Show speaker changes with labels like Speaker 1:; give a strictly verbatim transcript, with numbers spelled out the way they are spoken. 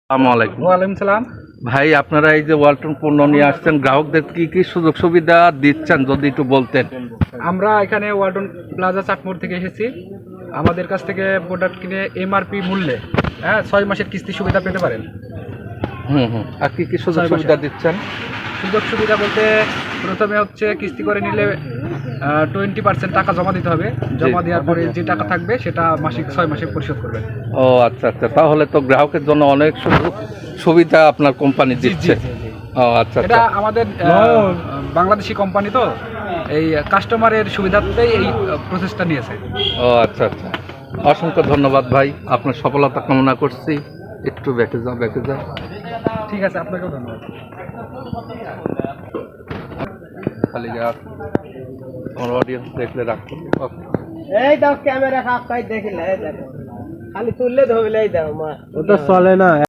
Speaker 1: আসসালামু আলাইকুম।
Speaker 2: ওয়ালাইকুম সালাম।
Speaker 1: ভাই, আপনারা এই যে ওয়ালটন পণ্য নিয়ে আসছেন, গ্রাহকদের কি কি সুযোগ সুবিধা দিচ্ছেন যদি একটু বলতেন।
Speaker 2: আমরা এখানে ওয়ালটন প্লাজা চাটমোড় থেকে এসেছি। আমাদের কাছ থেকে প্রোডাক্ট কিনে এমআরপি মূল্যে হ্যাঁ ছয় মাসের কিস্তি সুবিধা পেতে পারেন।
Speaker 1: হুম হুম আর কি কি সুযোগ
Speaker 2: ছয় মাসে।
Speaker 1: সুবিধা দিচ্ছেন?
Speaker 2: সুযোগ সুবিধা বলতে প্রথমে হচ্ছে কিস্তি করে নিলে টোয়েন্টি পার্সেন্ট টাকা জমা দিতে হবে। জমা দেওয়ার পরে যে টাকা থাকবে সেটা মাসিক ছয় মাসে পরিশোধ করবেন।
Speaker 1: ও আচ্ছা আচ্ছা, তাহলে তো গ্রাহকের জন্য অনেক সুযোগ সুবিধা আপনার কোম্পানি দিচ্ছে। ও আচ্ছা
Speaker 2: এটা
Speaker 1: আচ্ছা।
Speaker 2: আমাদের আহ, বাংলাদেশি কোম্পানি তো এই কাস্টমারের সুবিধার্থেই এই প্রসেসটা নিয়েছে।
Speaker 1: ও আচ্ছা আচ্ছা, অসংখ্য ধন্যবাদ ভাই, আপনার সফলতা কামনা করছি। একটু ব্যাকে যাও, ব্যাকে যাও।
Speaker 2: ঠিক আছে, আপনাকেও ধন্যবাদ।
Speaker 1: খালি যা আমার অডিয়েন্স দেখলে রাখো।
Speaker 3: এই দাও ক্যামেরা কাপ কাই দেখিলে এই দেখো খালি তুললে ধরলে এই দাও মা
Speaker 4: ওটা চলে না।